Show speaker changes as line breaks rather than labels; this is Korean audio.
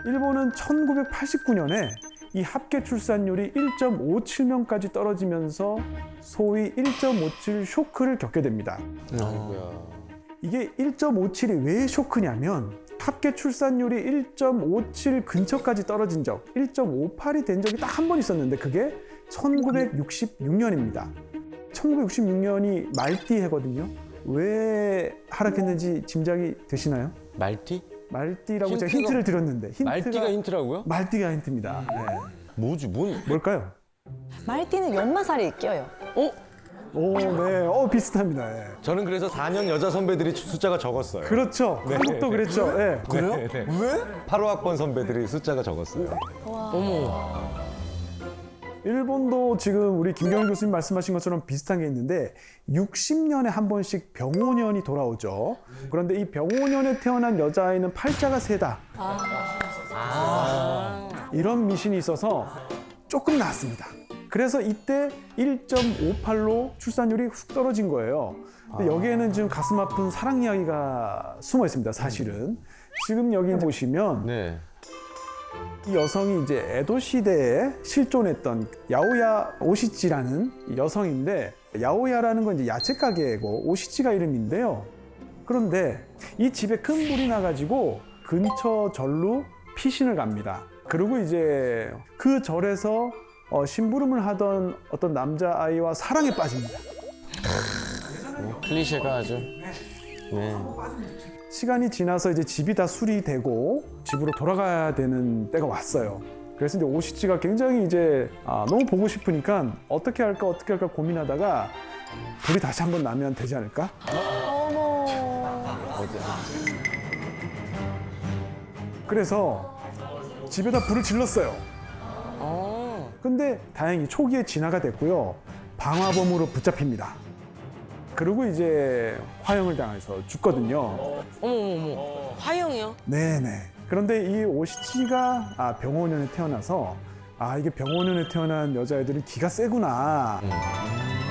일본은 1989년에 이 합계 출산율이 1.57명까지 떨어지면서 소위 1.57 쇼크를 겪게 됩니다.
아이고야.
이게 1.57이 왜 쇼크냐면 합계 출산율이 1.57 근처까지 떨어진 적, 1.58이 된 적이 딱 한 번 있었는데 그게 1966년입니다. 1966년이 말띠 해거든요. 왜 하락했는지 짐작이 되시나요?
말띠?
말띠라고 제가 힌트를 드렸는데
말띠가 힌트라고요?
말띠가 힌트입니다. 네.
뭐지?
뭘까요?
말띠는 연마살이 껴요.
오, 네, 비슷합니다. 네.
저는 그래서 4년 여자 선배들이 숫자가 적었어요.
그렇죠. 한국도 그랬죠. 네.
그래요? 왜? 8호 학번 선배들이 숫자가 적었어요.
일본도 지금 우리 김경일 교수님 말씀하신 것처럼 비슷한 게 있는데 60년에 한 번씩 병오년이 돌아오죠. 그런데 이 병오년에 태어난 여자아이는 팔자가 세다. 이런 미신이 있어서 조금 나았습니다. 그래서 이때 1.58로 출산율이 훅 떨어진 거예요. 근데 여기에는 지금 가슴 아픈 사랑 이야기가 숨어 있습니다, 사실은. 지금 여기 보시면
네.
이 여성이 이제 에도 시대에 실존했던 야오야 오시치라는 여성인데, 야오야라는 건 이제 야채 가게고 오시치가 이름인데요. 그런데 이 집에 큰 불이 나가지고 근처 절로 피신을 갑니다. 그리고 이제 그 절에서 심부름을 하던 어떤 남자아이와 사랑에 빠집니다.
클리셰가 아주. 네.
시간이 지나서 이제 집이 다 수리되고 집으로 돌아가야 되는 때가 왔어요. 그래서 이제 오시치가 굉장히 이제 너무 보고 싶으니까 어떻게 할까 고민하다가 불이 다시 한번 나면 되지 않을까? 그래서 집에다 불을 질렀어요. 근데 다행히 초기에 진화가 됐고요. 방화범으로 붙잡힙니다. 그리고 이제 화형을 당해서 죽거든요.
어머. 화형이요?
네네. 그런데 이 오시치가 병오년에 태어나서 이게 병오년에 태어난 여자애들은 기가 세구나.